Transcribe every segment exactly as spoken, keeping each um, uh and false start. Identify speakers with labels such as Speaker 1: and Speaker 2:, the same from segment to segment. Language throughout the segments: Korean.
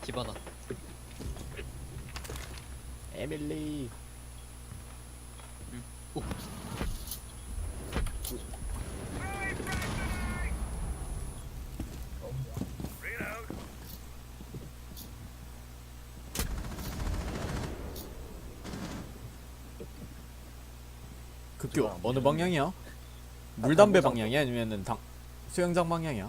Speaker 1: 기바나.
Speaker 2: 에밀리.
Speaker 1: 오.
Speaker 2: 급교 어느 방향이야? 물담배 방향이야? 아니면은 당 수영장 방향이야?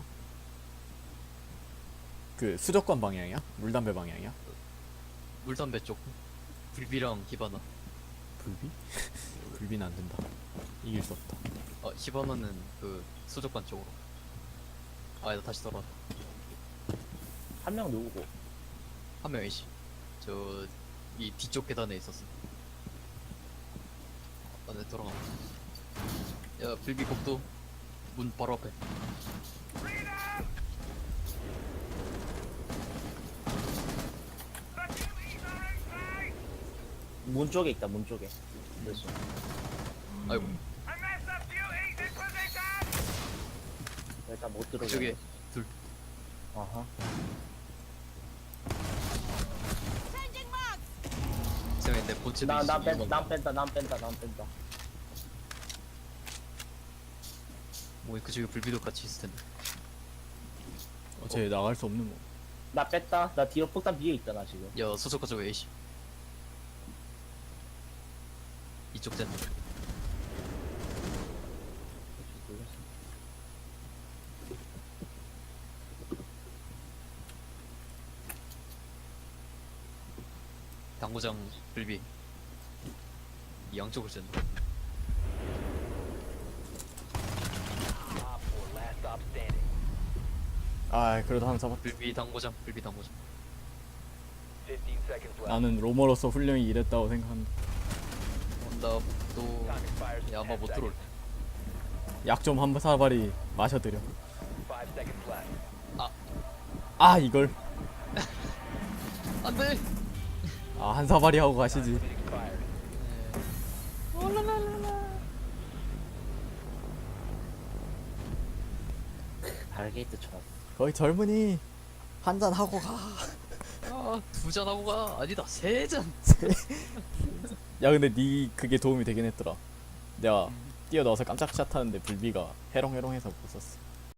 Speaker 2: 그 수족관 방향이야? 물담배 방향이야?
Speaker 1: 물담배 쪽. 불비랑 히바나.
Speaker 2: 불비? 불비는 안 된다. 이길 수 없다.
Speaker 1: 어, 히바나는 그 수족관 쪽으로. 아, 나 다시 돌아왔다.
Speaker 3: 한 명 누구고?
Speaker 1: 한 명이지. 저, 이 뒤쪽 계단에 있었어. 아, 네, 돌아가. 야, 불비 복도. 문 바로 앞에.
Speaker 3: 문 쪽에 있다, 문 쪽에. 됐어.
Speaker 1: 아이고,
Speaker 3: 일단 못 들어가.
Speaker 1: 그쪽에 둘.
Speaker 3: 아하.
Speaker 1: 쌤이 내 본체도
Speaker 3: 나, 나
Speaker 1: 있어.
Speaker 3: 뺀다, 난 뺀다, 난 뺀다, 난 뺀다.
Speaker 1: 뭐, 그쪽에 불비도 같이 있을 텐데.
Speaker 2: 어차피 나갈 수 없는 뭐.
Speaker 3: 나 뺐다. 나 뒤로 폭탄 위에 있다, 나 지금.
Speaker 1: 야, 수족관 쪽에 A씨. 이쪽 젠. 당구장 불비. 이 양쪽을 젠.
Speaker 2: 아 그래도 하나 잡았.
Speaker 1: 불비 당구장, 불비 당구장.
Speaker 2: 나는 로머로서 훌륭히 일했다고 생각한다.
Speaker 1: 온다, 또. 야, 아마 못 들어올.
Speaker 2: 약 좀 한 사발이 마셔드려.
Speaker 1: 아.
Speaker 2: 아 이걸.
Speaker 1: 안 돼!
Speaker 2: 아 한 사발이 하고 가시지.
Speaker 3: 발게이트 쳐.
Speaker 2: 거기 젊은이 한 잔 하고 가.
Speaker 1: 아, 두 잔 하고 가. 아니다, 세 잔.
Speaker 2: 야 근데 니 그게 도움이 되긴 했더라. 내가 뛰어나와서 깜짝 샷 하는데 불비가 해롱해롱해서 못 썼어.